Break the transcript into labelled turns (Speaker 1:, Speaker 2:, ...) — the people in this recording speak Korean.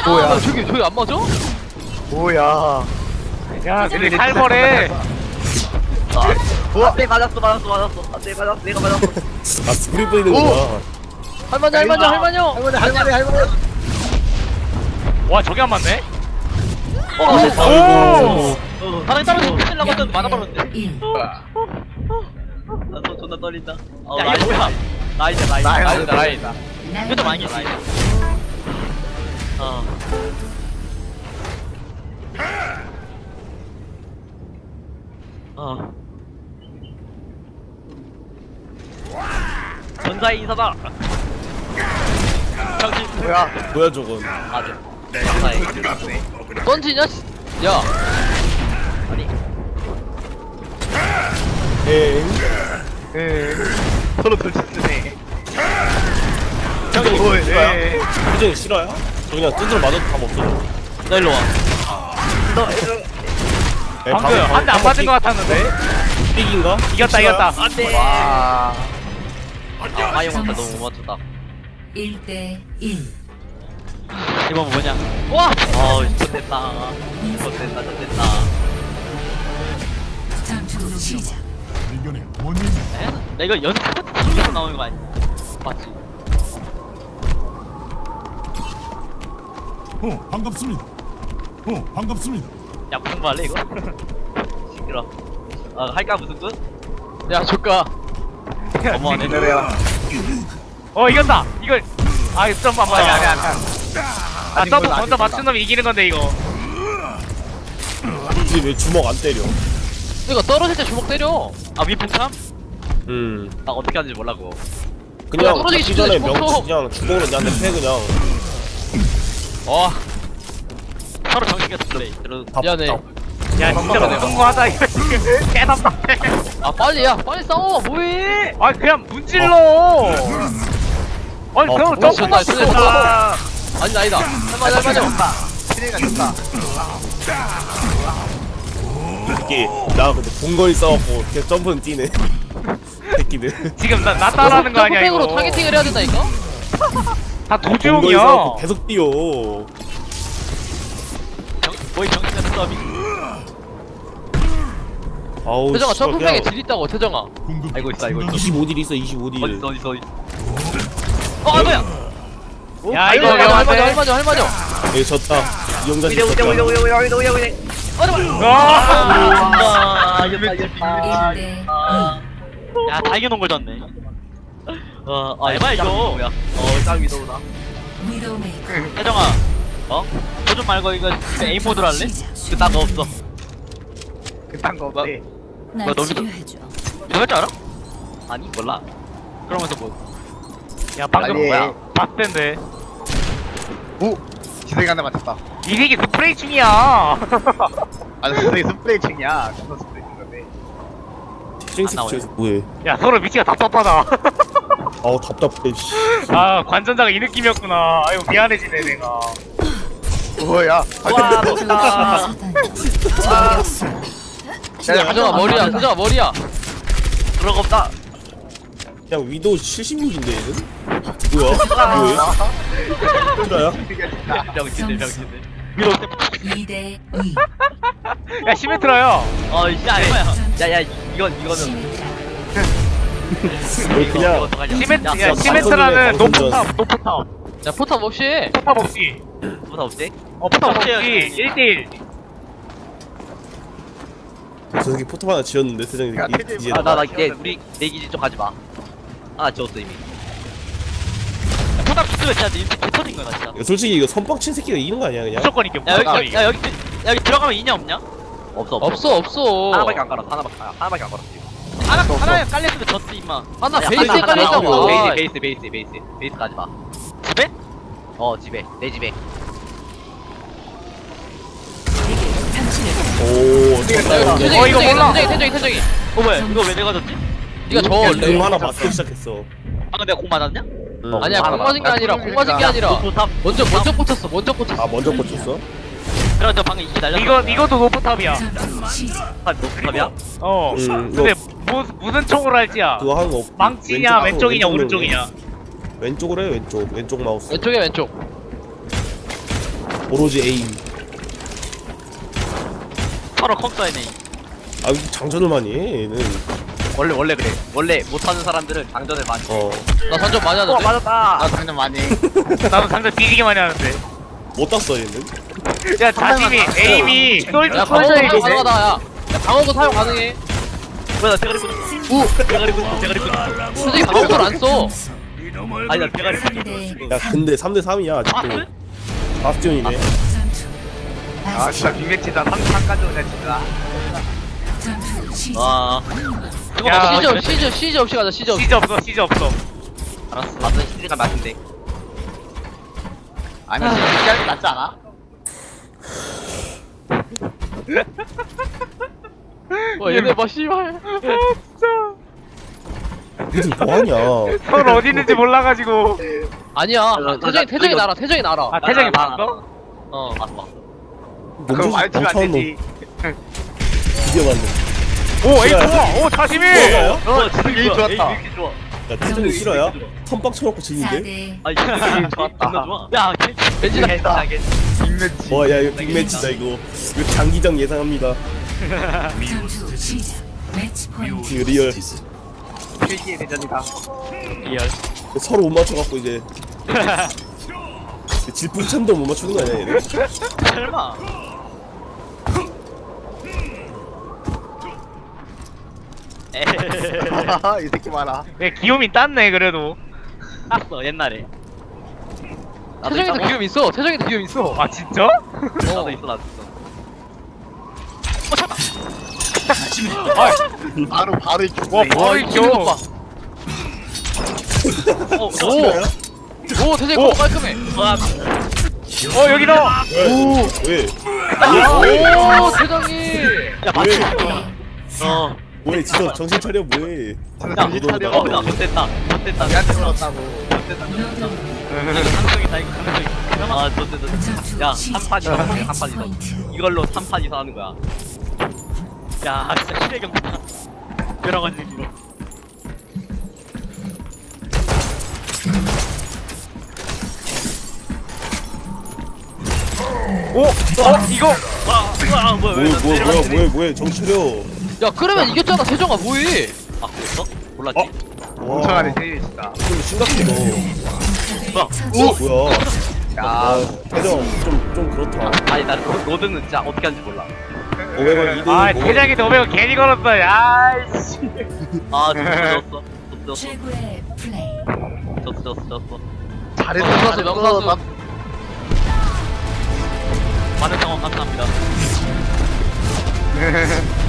Speaker 1: 뭐야?
Speaker 2: 저기 안 맞아?
Speaker 1: 뭐야?
Speaker 3: 야 근데 살벌해.
Speaker 4: 안돼 맞았어 안돼 맞았어 내가 맞았어.
Speaker 5: 아 스프링 뿌리는 거구나.
Speaker 2: 할만요.
Speaker 1: 할머니.
Speaker 3: 와 저게 안 맞네?
Speaker 5: 아이고.
Speaker 2: 사람이 떨어지고 끝내려고 했더니 맞아버렸는데.
Speaker 4: 나도 존나 떨린다.
Speaker 2: 야, 이거 뭐야?
Speaker 4: 라이다.
Speaker 2: 라인이다. 이것도 많이 했어.
Speaker 4: 전사의 인사다. 정신.
Speaker 5: 뭐야 저건.
Speaker 4: 맞아. 전사의.
Speaker 2: 던지냐? 야,
Speaker 4: 아니.
Speaker 5: 엥.
Speaker 1: 서로 돌치쓰네.
Speaker 5: 표정이 싫어요? 저 그냥 뚜드러 맞아도 답 없어.
Speaker 2: 너 일로 와.
Speaker 3: 방금 한 대 안 맞은 것 같았는데.
Speaker 5: 삑인가?
Speaker 3: 이겼다.
Speaker 4: 안돼.
Speaker 1: 와.
Speaker 4: 아이형한테 너무 못 맞췄다.
Speaker 6: 1대1
Speaker 2: 이번 뭐냐? 와!
Speaker 4: 좋됐다.
Speaker 6: 전투 시작.
Speaker 2: 나 이거 연습 중에서 나오는 거 아니야? 맞지?
Speaker 7: 반갑습니다.
Speaker 2: 야, 무슨 말 할래, 이거?
Speaker 4: 시끄러. 할까 무슨 뜻?
Speaker 2: 야, 조까. 너무하네.
Speaker 3: 이겼다. 이걸 점프 안 맞아.
Speaker 1: 아니,
Speaker 3: 점프
Speaker 1: 몰라,
Speaker 3: 먼저
Speaker 1: 아직
Speaker 3: 맞춘 놈이 이기는 건데 이거.
Speaker 5: 굳이 왜 주먹 안 때려?
Speaker 2: 이거 떨어질 때 주먹 때려. 아, 위풍참?
Speaker 4: 나 어떻게 하는지 몰라고.
Speaker 5: 그냥
Speaker 2: 떨어지기
Speaker 5: 죽기 전에
Speaker 2: 직전에
Speaker 5: 명치 그냥 주먹으로 내한테 패 그냥.
Speaker 2: 서로 정신이 플레이. 미안해.
Speaker 3: 야 진짜 성공하다 이거 지금 개답답해.
Speaker 2: 아, 빨리 싸워. 뭐해?
Speaker 3: 아 그냥 문질러. 아니 그럼
Speaker 5: 그거
Speaker 3: 점프 맞추
Speaker 2: 좋다,
Speaker 3: 됐다.
Speaker 2: 아니다. 할만해.
Speaker 1: 트레이가 좋다.
Speaker 5: 이게 나 근데 봉건이 싸웠고 그냥 점프는 뛰네. 새끼들.
Speaker 3: 지금 나 따라하는 거 아니야
Speaker 2: 점프팩으로
Speaker 3: 이거.
Speaker 2: 타겟팅을 해야 된다니까?
Speaker 3: 다
Speaker 5: 봉건이
Speaker 3: 도주용이야.
Speaker 5: 싸웠고 계속 뛰어.
Speaker 2: 거의 정신없는 서비.
Speaker 5: 아우.
Speaker 2: 태정아,
Speaker 5: 씨발,
Speaker 2: 점프팩에
Speaker 5: 그냥
Speaker 2: 딜 있다고, 태정아.
Speaker 4: 알고 있어.
Speaker 5: 25딜 있어 25딜.
Speaker 4: 어디.
Speaker 2: 뭐야?
Speaker 3: 야 이거 위험한데.
Speaker 2: 할만해.
Speaker 5: 여기 졌다. 이영자 씨 졌다.
Speaker 4: 아, 이겼다.
Speaker 6: 1대2
Speaker 2: 야, 다 이겨놓은 걸 졌네.
Speaker 4: 알바 이거. 짱 위도우다.
Speaker 6: 위도메이커
Speaker 2: 태정아, 도전 말고 이거 에임 모드로 할래?
Speaker 4: 그딴 거 없어.
Speaker 1: 그딴 거 없대.
Speaker 6: 날
Speaker 2: 너도-
Speaker 6: 치료해줘.
Speaker 2: 이거 할 줄 알아?
Speaker 4: 아니 몰라.
Speaker 2: 그러면서 뭐?
Speaker 3: 야 방금
Speaker 1: 아니.
Speaker 3: 뭐야? 박대인데.
Speaker 1: 오. 지성이 하나 맞췄다.
Speaker 3: 이 새끼 스프레이 중이야.
Speaker 1: 아, 지성이 스프레이 층이야. 존나 스프레이 층인데.
Speaker 5: 싱스프에서 뭐해?
Speaker 3: 야 서로 위치가 답답하다.
Speaker 5: 아우 답답해. 씨.
Speaker 3: 아 관전자가 이 느낌이었구나. 아유 미안해지네 내가.
Speaker 1: 뭐야?
Speaker 4: 와 좋다.
Speaker 6: 저격수
Speaker 2: 태정아, 머리야.
Speaker 4: 그런 거 없다.
Speaker 5: 그냥 위도우 76인데 얘는? 뭐야? 뭐해? 트라야?
Speaker 4: 병신들.
Speaker 2: 위로 때.
Speaker 6: 2대2
Speaker 3: 야 시메트라야.
Speaker 4: 야야 이거는
Speaker 6: 시메트라
Speaker 5: 그냥
Speaker 3: 야
Speaker 5: 야,
Speaker 3: 시메트라는
Speaker 5: 방금
Speaker 3: 노포탑.
Speaker 2: 야, 포탑 없이.
Speaker 3: 포탑 없이.
Speaker 4: 뭐다 없지?
Speaker 3: 포탑 없이
Speaker 2: 없어요.
Speaker 3: 1대1.
Speaker 5: 저 새끼 포탑 하나 지었는데 세상에
Speaker 1: 야,
Speaker 5: 이제
Speaker 1: 태진이
Speaker 4: 나 우리 내 기지 쪽 가지 마. 지웠어 이미.
Speaker 2: 포탑 기스가 진짜 개 터진 거야, 진짜.
Speaker 5: 솔직히 이거 선빵친 새끼가 이기는 거 아니야 그냥?
Speaker 3: 무조건 이겨.
Speaker 2: 야,
Speaker 3: 무조건
Speaker 2: 여기,
Speaker 3: 이겨.
Speaker 2: 여기 들어가면 있냐, 없냐?
Speaker 4: 없어.
Speaker 2: 없어.
Speaker 4: 하나밖에 안 깔았어. 하나밖에 안 깔았어.
Speaker 2: 하나에 깔렸으면 졌지, 임마. 하나
Speaker 4: 야,
Speaker 2: 베이스에
Speaker 4: 하나,
Speaker 2: 깔려있다고.
Speaker 4: 하나, 베이스 가지 마.
Speaker 2: 집에?
Speaker 4: 집에 내 집에.
Speaker 5: 오
Speaker 2: 태정이,
Speaker 3: 이거 몰라.
Speaker 2: 태정이. 뭐야, 이거 왜 내가 졌지? 니가 저
Speaker 5: 공
Speaker 2: 원래.
Speaker 5: 하나 맞기 시작했어.
Speaker 2: 방금 내가 공 맞았냐?
Speaker 5: 응.
Speaker 2: 아니야, 공 맞은 게 아니라,
Speaker 4: 포탑.
Speaker 2: 먼저 꽂혔어.
Speaker 5: 아 먼저 꽂혔어?
Speaker 2: 그래, 저 방금 이기 날렸어.
Speaker 3: 이것도 노포탑이야.
Speaker 6: 전투 시작
Speaker 4: 노탑이야?
Speaker 3: 근데 무슨 총으로 할지야.
Speaker 5: 그거 하는 거 없.
Speaker 3: 망치냐 왼쪽이냐 오른쪽이냐.
Speaker 5: 왼쪽으로 해 왼쪽 마우스.
Speaker 2: 왼쪽.
Speaker 5: 오로지 에임.
Speaker 2: 서로 컴사이네.
Speaker 5: 아 장전을 많이 해 얘는.
Speaker 4: 원래 그래. 원래 못하는 사람들은 장전을 많이 해.
Speaker 3: 나 장전 많이 하는데.
Speaker 4: 맞았다.
Speaker 1: 나 장난 많이 해.
Speaker 3: 나도 장전 뒤지게 많이 하는데.
Speaker 5: 못 땄어 얘는.
Speaker 3: 야 자심이 에임이
Speaker 4: 야,
Speaker 3: 솔직히
Speaker 4: 방어구
Speaker 3: 솔직히
Speaker 4: 사용 가능하다, 야. 야, 방어구 사용 가능해. 뭐야, 나 대가리 꽂았어. 대가리 꽂았어. 솔직히 방어구를 안 써. 아니, 나 대가리 꽂았어.
Speaker 5: 야 근데 3대 3이야 아직도. 아스티온이네.
Speaker 1: 아 진짜 빅매치다. 3까지 오네 진짜.
Speaker 6: 전투 시작.
Speaker 4: 와.
Speaker 3: 야,
Speaker 4: 야, 시즈 없이 가자, 시즈 없이.
Speaker 3: 시즈 없어.
Speaker 4: 알았어. 맞은 시즈가 맞은데.
Speaker 1: 아니 진짜 게 낫지 않아?
Speaker 4: 얘네 뭐, 씨발.
Speaker 5: 무슨 뭐하냐.
Speaker 3: 선 어디 있는지 몰라가지고.
Speaker 4: 아니야. 태정이 날아, 태정이 날아.
Speaker 3: 아 태정이 봤어?
Speaker 4: 어, 봤어.
Speaker 1: 그럼 말치면 안 되지.
Speaker 5: 드디어 맞네.
Speaker 3: 오 에이 좋아. 오 자심이.
Speaker 5: 뭐가요?
Speaker 1: 진짜 게임 좋았다.
Speaker 4: 좋아.
Speaker 5: 야 태정이 싫어야? 선빵 쳐놓고 지는데?
Speaker 6: 4대
Speaker 4: 아, 이거 좋았다. 좋아. 야, 왠지 나
Speaker 1: 빅매치.
Speaker 5: 와 야 이거 빅매치다 이거. 이거 장기전 예상합니다.
Speaker 6: 전투 시작. 매치 포인트.
Speaker 5: 이거 리얼.
Speaker 1: 필기의 대전이다.
Speaker 2: 리얼.
Speaker 5: 서로 못 맞춰갖고 이제 질풍참도 못 맞추는 거 아니야 얘네?
Speaker 2: 설마.
Speaker 1: 이 새끼 봐라.
Speaker 3: 야 기욤이 땄네 그래도.
Speaker 2: 땄어 옛날에.
Speaker 4: 태정이도 기움 있어. 태정이도 기움 있어.
Speaker 3: 아 진짜?
Speaker 4: 나도 있어, 나도 있어.
Speaker 1: 바로 이렇게.
Speaker 3: 와 바로 이
Speaker 4: 기운
Speaker 3: 기욤.
Speaker 4: 봐.
Speaker 5: 싫어요?
Speaker 4: 오, 태정이
Speaker 3: 오.
Speaker 4: 거 깔끔해.
Speaker 3: 여기 넣어.
Speaker 5: 왜?
Speaker 4: 오, 태정이.
Speaker 2: 야 맞지. 어.
Speaker 5: 뭐해 진짜 정신 차려 뭐해.
Speaker 1: 정신 차려.
Speaker 4: 나 못됐다. 못됐다.
Speaker 1: 얘한테 물었다고.
Speaker 2: 감성이다 이거 감성이.
Speaker 4: 아, 못됐다.
Speaker 6: 전투
Speaker 4: 야,
Speaker 6: 시작.
Speaker 4: 3판 이상 하네,
Speaker 6: 매치
Speaker 4: 3판 이상.
Speaker 6: 포인트.
Speaker 4: 이걸로 3판 이상 하는 거야.
Speaker 2: 야 진짜 실의 경기다. 여러 가지 의미로.
Speaker 3: 오. 이거.
Speaker 2: 와 뭐야
Speaker 5: 뭐해 정신 차려.
Speaker 4: 야, 그러면 이겼잖아, 태정아, 뭐해? 아, 그랬어? 몰랐지?
Speaker 5: 와
Speaker 1: 엄청나네 세일 진짜.
Speaker 5: 좀 심각해 너. 뭐야.
Speaker 1: 야.
Speaker 5: 태정 좀 그렇다.
Speaker 4: 아니, 나 로드는 진짜 어떻게 하는지 몰라.
Speaker 5: 500원 2등.
Speaker 3: 아 대장이 500원 괜히 걸었어. 야이씨.
Speaker 4: 아, 졌어.
Speaker 6: 최고의 플레이.
Speaker 4: 졌어.
Speaker 1: 잘했어.
Speaker 4: 명사수, 명사수.
Speaker 2: 많은 상황 감사합니다.